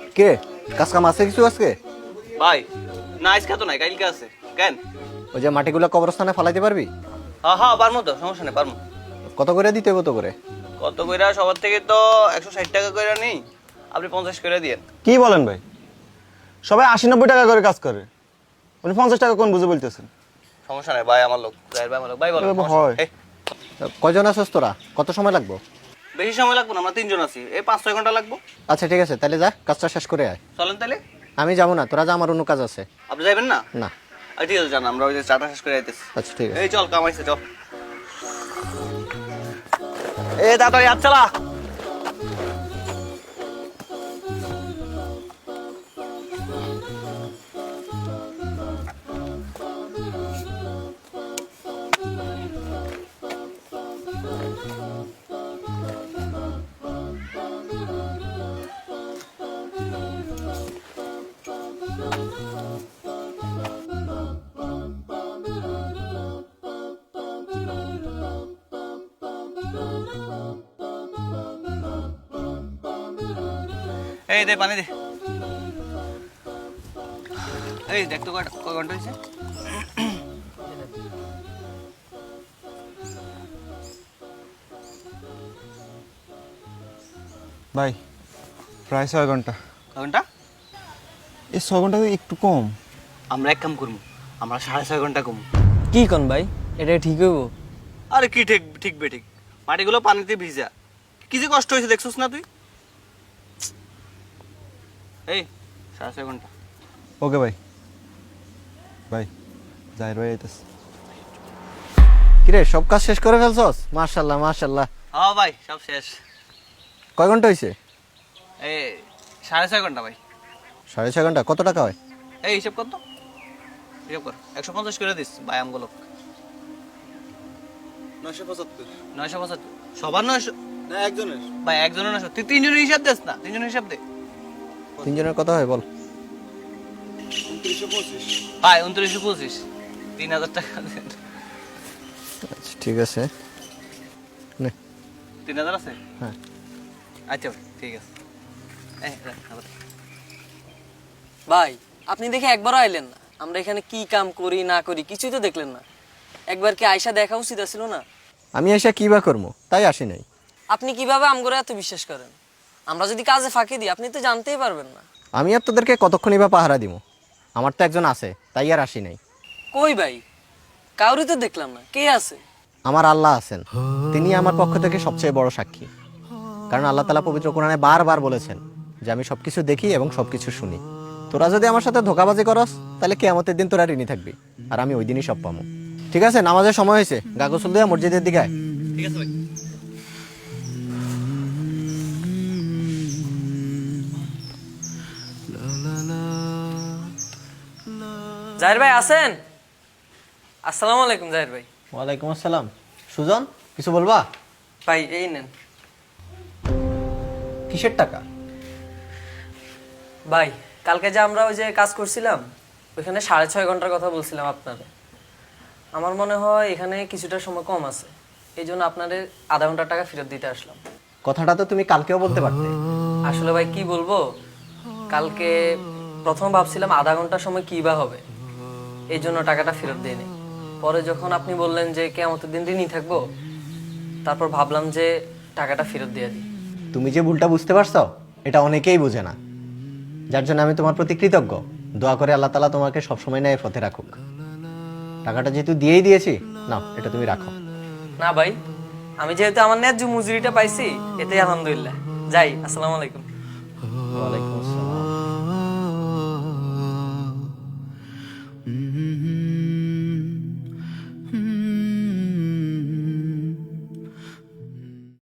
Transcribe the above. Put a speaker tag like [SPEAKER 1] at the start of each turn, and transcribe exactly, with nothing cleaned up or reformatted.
[SPEAKER 1] কে কাজ কাম আছে কিছু আজকে?
[SPEAKER 2] ভাই না আজকে তো নাই, কালকে আছে। কেন?
[SPEAKER 1] ওই যে মাটিগুলো কবরস্থানে ফালাইতে পারবি?
[SPEAKER 2] হ্যাঁ হ্যাঁ পারবো তো, সমস্যা নেই, পারবো।
[SPEAKER 1] কত করে দিতে হবে? কত করে?
[SPEAKER 2] কত কইরা সবার থেকে তো একশো ষাট টাকা কইরা নেই, আপনি পঞ্চাশ করে দিয়েন।
[SPEAKER 3] কি বলেন ভাই? সবাই আশি নব্বই টাকা করে কাজ করে, উনি পঞ্চাশ টাকা কোন বুঝে বলতেছেন?
[SPEAKER 2] সমস্যা নেই ভাই, আমার লোক জাহির ভাই, আমার লোক ভাই বলো।
[SPEAKER 3] এ,
[SPEAKER 2] সমস্যা
[SPEAKER 3] হয়।
[SPEAKER 2] নেই। এই,
[SPEAKER 1] কয়জন আছিস তোরা? কত সময় লাগবে?
[SPEAKER 2] বেশি সময় লাগবে না, আমরা তিনজন আছি, এই পাঁচ ছয় ঘন্টা লাগবো।
[SPEAKER 1] আচ্ছা ঠিক আছে, তাহলে যা কাজটা শেষ করে আয়।
[SPEAKER 2] চলেন তাহলে।
[SPEAKER 1] আমি যাবো না, তোরা যা, আমার অন্য কাজ আছে।
[SPEAKER 2] আপনি যাবেন না?
[SPEAKER 1] না।
[SPEAKER 2] আচ্ছা, ঠিক আছে, জান, আমরা ওই যে চাটা শেষ করে আইতেছি।
[SPEAKER 1] আচ্ছা ঠিক আছে।
[SPEAKER 2] এই চল, কামাইছে চল। এ তাড়াতাড়ি হাত চালা। এই দে পানি দে। এই দেখ তো কয়টা কয় ঘন্টা হয়েছে।
[SPEAKER 3] ভাই প্রায় ছয় ঘন্টা।
[SPEAKER 2] কয় ঘন্টা?
[SPEAKER 3] এই ছয় ঘন্টা তো একটু কম।
[SPEAKER 2] আমরা এক কাম করবো, আমরা সাড়ে ছয় ঘন্টা কমু।
[SPEAKER 4] কি কোন ভাই, এটা ঠিক হইব?
[SPEAKER 2] আরে কি ঠিক ঠিক বে ঠিক, মাটিগুলো পানিতে ভিজা, কি যে কষ্ট হয়েছে দেখছিস না তুই? এই সাড়ে ছয় ঘন্টা।
[SPEAKER 3] ওকে ভাই। ভাই জাহির ভাই আইতেছে।
[SPEAKER 1] কিরে সব কাজ শেষ করে ফেলছস? মাশাআল্লাহ মাশাআল্লাহ।
[SPEAKER 2] হ্যাঁ ভাই সব শেষ।
[SPEAKER 1] কয় ঘন্টা হয়েছে?
[SPEAKER 2] এই সাড়ে ছয় ঘন্টা ভাই।
[SPEAKER 1] সাড়ে ছয় ঘন্টা। কত টাকা হয়?
[SPEAKER 2] এই হিসাব কর তো, হিসাব কর। একশো পঞ্চাশ করে দিস ভাই আমগুলো।
[SPEAKER 3] নয়শো পঁচাত্তর।
[SPEAKER 2] নয়শো পঁচাত্তর সবার নয়শো
[SPEAKER 3] না একজনের।
[SPEAKER 2] ভাই, একজনের নয়শো। তুই তিনজনের হিসাব দিস না, তিনজনের হিসাব দে
[SPEAKER 1] তিনজনের কত হয় বল?
[SPEAKER 3] উনত্রিশশো পঁচিশ।
[SPEAKER 2] ভাই। উনত্রিশশো পঁচিশ, তিন হাজার টাকা দেন।
[SPEAKER 1] আচ্ছা ঠিক আছে, নে।
[SPEAKER 2] তিন হাজার আছে?
[SPEAKER 1] হ্যাঁ।
[SPEAKER 2] আচ্ছা ভাই ঠিক আছে। এই, রাখ, আবার।
[SPEAKER 4] ভাই আপনি দেখে একবারও আইলেন না, আমরা এখানে কি কাম করি না করি কিছুই তো দেখলেন না। একবার কি আয়সা দেখা উচিত ছিল না?
[SPEAKER 1] আমি এসে কি বা করবো, তাই আসি নাই।
[SPEAKER 4] আপনি কিভাবে আমগরে এত বিশ্বাস করেন? আমরা যদি কাজে ফাঁকি দিই আপনি তো জানতেই পারবেন না।
[SPEAKER 1] আমি আর তোদেরকে কতক্ষণই বা পাহারা দিব? আমার তো একজন আছে, তাই আর আসি নাই।
[SPEAKER 4] কই ভাই, কাউরি তো দেখলাম না, কে আছে?
[SPEAKER 1] আমার আল্লাহ আছেন, তিনি আমার পক্ষ থেকে সবচেয়ে বড় সাক্ষী। কারণ আল্লাহ তাআলা পবিত্র কোরআনে বারবার বলেছেন যে আমি সবকিছু দেখি এবং সবকিছু শুনি। তোরা যদি আমার সাথে ধোঁকাবাজি করস তাহলে কিয়ামতের দিন তোরা ঋণী থাকবি, আর আমি ওই দিনই সব পাবো। ঠিক আছে, নামাজের সময় হয়েছে, গা গোসল দিয়ে মসজিদের দিকে আয়।
[SPEAKER 2] ঠিক আছে ভাই।
[SPEAKER 4] জাহির ভাই আছেন? আসসালামু আলাইকুম জাহির ভাই।
[SPEAKER 1] ওয়ালাইকুম আসসালাম। সুজন, কিছু বলবা?
[SPEAKER 4] ভাই এই নেন।
[SPEAKER 1] কিসের টাকা?
[SPEAKER 4] ভাই কালকে যে আমরা ওই যে কাজ করছিলাম ওইখানে সাড়ে ছয় ঘন্টার কথা বলছিলাম আপনাদের। আমার মনে হয় এখানে কিছুটা সময় কম আছে, এই জন্য আপনাদের আধা ঘন্টা টাকা ফেরত দিতে আসলাম।
[SPEAKER 1] কথাটা তো তুমি কালকেও বলতে পারতে।
[SPEAKER 4] আসলে ভাই কি বলবো, কালকে প্রথম ভাবছিলাম আধা ঘন্টা সময় কি বা হবে, এই জন্য টাকাটা ফেরত দিইনি। পরে যখন আপনি বললেন যে কিয়ামতের দিন ঋণী থাকবো, তারপর ভাবলাম যে টাকাটা ফেরত দিয়ে দিই।
[SPEAKER 1] তুমি যে ভুলটা বুঝতে পারছো এটা অনেকেই বোঝে না, যার জন্য আমি তোমার প্রতি কৃতজ্ঞ। দোয়া করে আল্লাহ তাআলা তোমাকে সবসময় ন্যায়ের পথে রাখুক। টাকাটা যেহেতু দিয়েই দিয়েছি, নাও এটা তুমি রাখো।
[SPEAKER 4] না ভাই, আমি যেহেতু আমার ন্যায্য মজুরিটা পাইছি এতেই আলহামদুলিল্লাহ। যাই, আসসালামু আলাইকুম।
[SPEAKER 1] ওয়ালাইকুম আসসালাম।